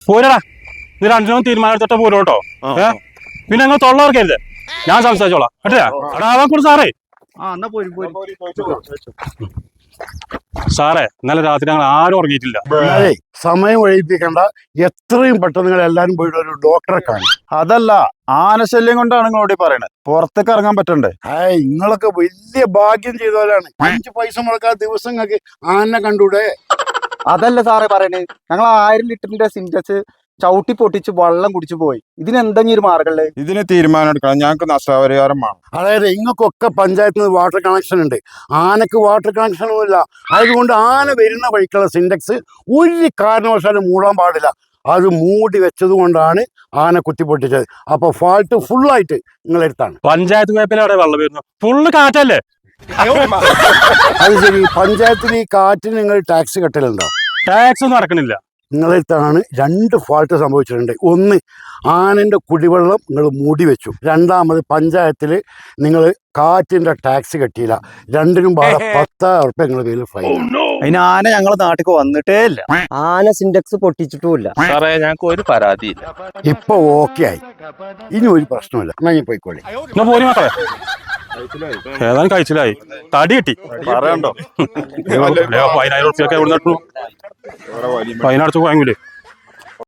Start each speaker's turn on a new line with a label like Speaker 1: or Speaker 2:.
Speaker 1: പോരടാ, ഇത് രണ്ടിനും തീരുമാനമെടുത്തിട്ട് പോരും കേട്ടോ. പിന്നെ നിങ്ങൾ തൊള്ളവർക്കരുത്, ഞാൻ സംസാരിച്ചോളാം കേട്ടാ. അവിടെ ആവാൻ കൂടെ സാറേ. സാറേ, ഇന്നലെ രാത്രി ഞങ്ങൾ ആരും ഉറങ്ങിയിട്ടില്ല.
Speaker 2: സമയം ഒഴിപ്പിക്കണ്ട, എത്രയും പെട്ടെന്ന് നിങ്ങൾ എല്ലാരും പോയിട്ട് ഒരു ഡോക്ടറെ കാണും.
Speaker 3: അതല്ല, ആനശല്യം കൊണ്ടാണ് നിങ്ങളോട് പറയണത്. പുറത്തേക്ക് ഇറങ്ങാൻ പറ്റണ്ടേ?
Speaker 2: നിങ്ങളൊക്കെ വലിയ ഭാഗ്യം ചെയ്തവരാണ്. 5 പൈസ മുടക്കാത്ത ദിവസങ്ങൾക്ക് ആനെ കണ്ടൂടെ?
Speaker 4: അതല്ല സാറേ പറയണേ, ഞങ്ങൾ 1000 ലിറ്ററിന്റെ സിൻറ്റക്സ് ചവിട്ടി പൊട്ടിച്ച് വെള്ളം കുടിച്ചു പോയി. ഇതിനെന്തെങ്കിലും ഒരു മാർഗമല്ലേ?
Speaker 3: ഇതിന് തീരുമാനം എടുക്കണം. ഞങ്ങൾക്ക് നഷ്ടപരിഹാരം വേണം.
Speaker 2: അതായത് നിങ്ങൾക്കൊക്കെ പഞ്ചായത്തിൽ നിന്ന് വാട്ടർ കണക്ഷൻ ഉണ്ട്, ആനക്ക് വാട്ടർ കണക്ഷനൊന്നും ഇല്ല. അതുകൊണ്ട് ആന വരുന്ന വഴിക്കുള്ള സിൻറ്റക്സ് ഒരു കാരണവശാലും മൂടാൻ പാടില്ല. അത് മൂടി വെച്ചത് കൊണ്ടാണ് ആന കുത്തിപ്പൊട്ടിച്ചത്. അപ്പൊ ഫാൾട്ട് ഫുള്ളായിട്ട് നിങ്ങളെടുത്താണ്.
Speaker 1: പഞ്ചായത്ത് പേപ്പിൽ അവിടെ വെള്ളം വരുന്നു, ഫുള്ള് കാറ്റല്ലേ?
Speaker 2: അത് ശരി, പഞ്ചായത്തിൽ ഈ കാറ്റിന് നിങ്ങൾ ടാക്സ് കെട്ടലുണ്ടോ?
Speaker 1: ടാക്സ് ഒന്നും അടക്കണില്ല.
Speaker 2: നിങ്ങളെടുത്താണ് 2 ഫാൾട്ട് സംഭവിച്ചിട്ടുണ്ട്. ഒന്ന്, ആനൻ്റെ കുടിവെള്ളം നിങ്ങൾ മൂടി വെച്ചു. രണ്ടാമത്, പഞ്ചായത്തിൽ നിങ്ങൾ കാറ്റിൻ്റെ ടാക്സ് കെട്ടിയില്ല. രണ്ടിനും പാടെ 10,000 ഉറുപ്പിക നിങ്ങളുടെ പേരിൽ ഫൈൻ.
Speaker 4: അതിന് ആന ഞങ്ങളെ നാട്ടിലേക്ക് വന്നിട്ടേ ഇല്ല. ആന സിൻറ്റക്സ് പൊട്ടിച്ചിട്ടുമില്ല.
Speaker 5: സാറേ, ഞങ്ങൾക്ക് ഒരു പരാതി.
Speaker 2: ഇപ്പൊ ഓക്കെ ആയി, ഇനി ഒരു പ്രശ്നമില്ല. എന്നാ ഞാൻ പോയിക്കോളി.
Speaker 1: എന്നാ പോരി മാത്രമേ, ഏതാനും കഴിച്ചില്ലായി, തടി കിട്ടി.
Speaker 3: പറയണ്ടോ?
Speaker 1: 10,000 ഉറുപ്പിയൊക്കെ എവിടെ നിട്ടു? 10 അടച്ചു പോയെങ്കിലേ